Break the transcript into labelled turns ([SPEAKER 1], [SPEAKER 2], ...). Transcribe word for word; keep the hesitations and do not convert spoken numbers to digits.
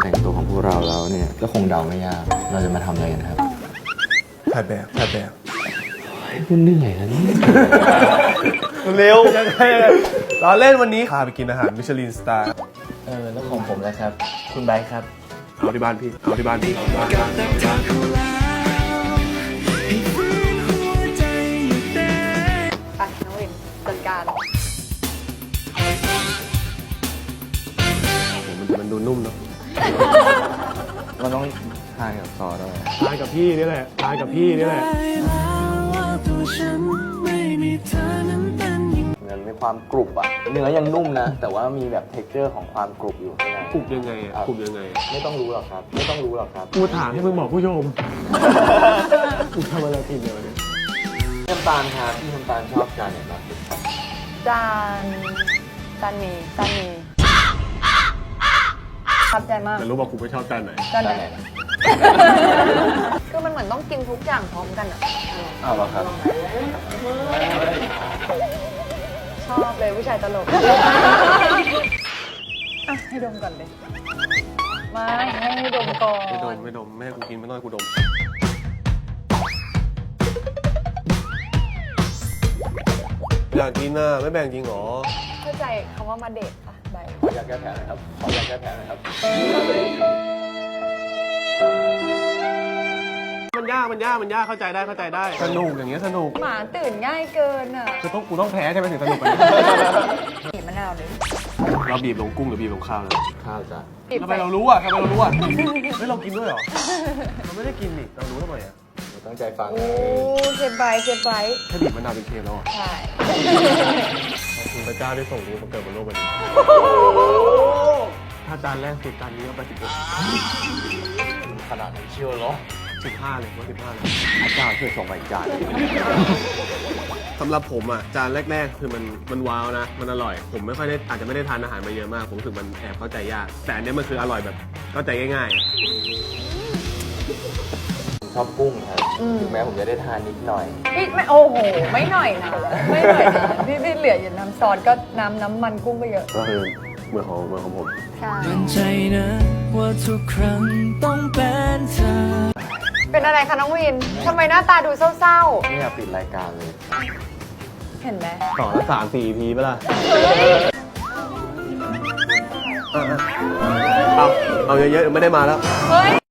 [SPEAKER 1] แต่งตัวของพวกเราแล้วเนี่ยก็คงเดาไม่ยากเราจะมาทำอะไรกันครับ
[SPEAKER 2] ถ่ายแบบถ่ายแบบ
[SPEAKER 1] คุณเหนื่อยนะนี่
[SPEAKER 2] เร็วยังไงเราเล่นวันนี้พาไปกินอาหารมิชลินสตาร์
[SPEAKER 1] เออแล้วของผมแล้วครับคุณไบร์ทครับ
[SPEAKER 2] เอาที่บ้านพี่เอาที่บ้านพี่
[SPEAKER 3] ไปน้องวินจัดการ
[SPEAKER 2] มันมันดูนุ่มเนาะ
[SPEAKER 1] มันต้องทานกับซอสด้วย
[SPEAKER 2] ทานกับพี่นี่แหละทานกับพี่นี่แหละ
[SPEAKER 1] มันมีความกรุบอะเนื้อยังนุ่มนะแต่ว่ามีแบบเท็กเจอร์ของความกรุบอยู่ข้างใน
[SPEAKER 2] กรุบยังไงอ่ะกรุบยังไง
[SPEAKER 1] ไม่ต้องรู้หรอกครับไม่ต้องรู้หรอกครับ
[SPEAKER 2] กูถามให้มึงบอกผู้ชมกูทำอะไรผิดเลยวะเนี่ย
[SPEAKER 1] น้ำตาลครับพี่น้ำตาลชอบจานไหนมากที่สุดครับ
[SPEAKER 3] จานจานหมีจานหมีขับใจมาก
[SPEAKER 2] แต่รู้ว่ากูไม่ชอบจานไหน
[SPEAKER 3] จานไหน
[SPEAKER 1] นะ
[SPEAKER 3] คือมันเหมือนต้องกินทุกอย่างพร้อมกันอ่ะ
[SPEAKER 1] อ้าวเหรอครับ
[SPEAKER 3] ชอบเลยผู้ชายตลกอ่ะให้ดมก่อนเลยไม่ให้ดมก่อน
[SPEAKER 2] ไม่ดมไม่ดมไม่ให้กูกินไม่ต้องให้กูดมอยากกินน่ะไม่แบ่งจริงเหรอ
[SPEAKER 3] เข้าใจคำว่ามาเดทปะใบ
[SPEAKER 1] ขออยากแก้แผลหน่อยครับขออยากแก้แผลหน่อยครับ
[SPEAKER 2] มันยากมันยากมันยากเข้าใจได้เข้าใจได้สนุกอย่างเงี้ยสนุก
[SPEAKER 3] หมาตื่นง่ายเกินอ่ะ
[SPEAKER 2] คือต้องกูต้องแพ้ใช่ไหมถึงสนุกกัน
[SPEAKER 3] บีบมะนาวเลย
[SPEAKER 2] เราบีบลงกุ้งหรือบีบลงข้าวนะ
[SPEAKER 1] ข้าวจ้ะ
[SPEAKER 3] บีบ
[SPEAKER 2] ทำไม
[SPEAKER 3] ใส่
[SPEAKER 2] เรารู้อ่ะทำไมเรารู้อ่ะเฮ้ยเรากินด้วยเหรอเราไม่ได้กินนี่เรารู้ทำไมอ่ะ
[SPEAKER 1] หนูตั้งใจฟัง
[SPEAKER 3] โอ้เซฟไบเซฟไบ
[SPEAKER 2] แค่บีบมะนาวเป็นเค็มแล้วอ่ะ
[SPEAKER 3] ใช่
[SPEAKER 2] ขอบคุณพระเจ้าได้ส่งรู้มาเกิดบนโลกใบนี้ถ้าจานแรกสุดจานนี้ก็ไปสิบหก
[SPEAKER 1] ขนาดนั้นเชียวเหรอ
[SPEAKER 2] สิบห้าเลยว่าสิบห้าเลย
[SPEAKER 1] พระเจ้าช่วยส่งมาอีกจาน
[SPEAKER 2] สำหรับผมอ่ะจานแรกๆคือมันมันว้าวนะมันอร่อย ผมไม่ค่อยได้อาจจะไม่ได้ทานอาหารมาเยอะมากผมรู้สึกมันแอบเข้าใจยากแต่อันเนี้ยมันคืออร่อยแบบเข้าใจง่าย
[SPEAKER 1] ผมชอบกุ้งครับถึงแม้ผมจะได้ทานนิดหน่อย
[SPEAKER 3] พี่ไม่โอ้โหไม่หน่อยนะไม่หน่อยนะพี่พี่เหลืออยู่น้ำซอสก็น้ำน้ำมันกุ้งก็เยอะ
[SPEAKER 2] ๆก็คือเหมือนของเหมือนของผม
[SPEAKER 3] ใช่
[SPEAKER 4] มั่นใจนะว่าทุกครั้งต้องเป็นเธอ
[SPEAKER 3] เป็นอะไรคะน้องวินทำไมหน้าตาดูเศร้า
[SPEAKER 1] ไม่อยากปิดรายการเลย
[SPEAKER 3] ๆ เห็นไหม
[SPEAKER 2] ต่อละสามสี่ อี พีป่ะล่ะ
[SPEAKER 3] เฮ้ย
[SPEAKER 2] เอาเอาเยอะๆไม่ได้มาแล้ว
[SPEAKER 3] เฮ้ย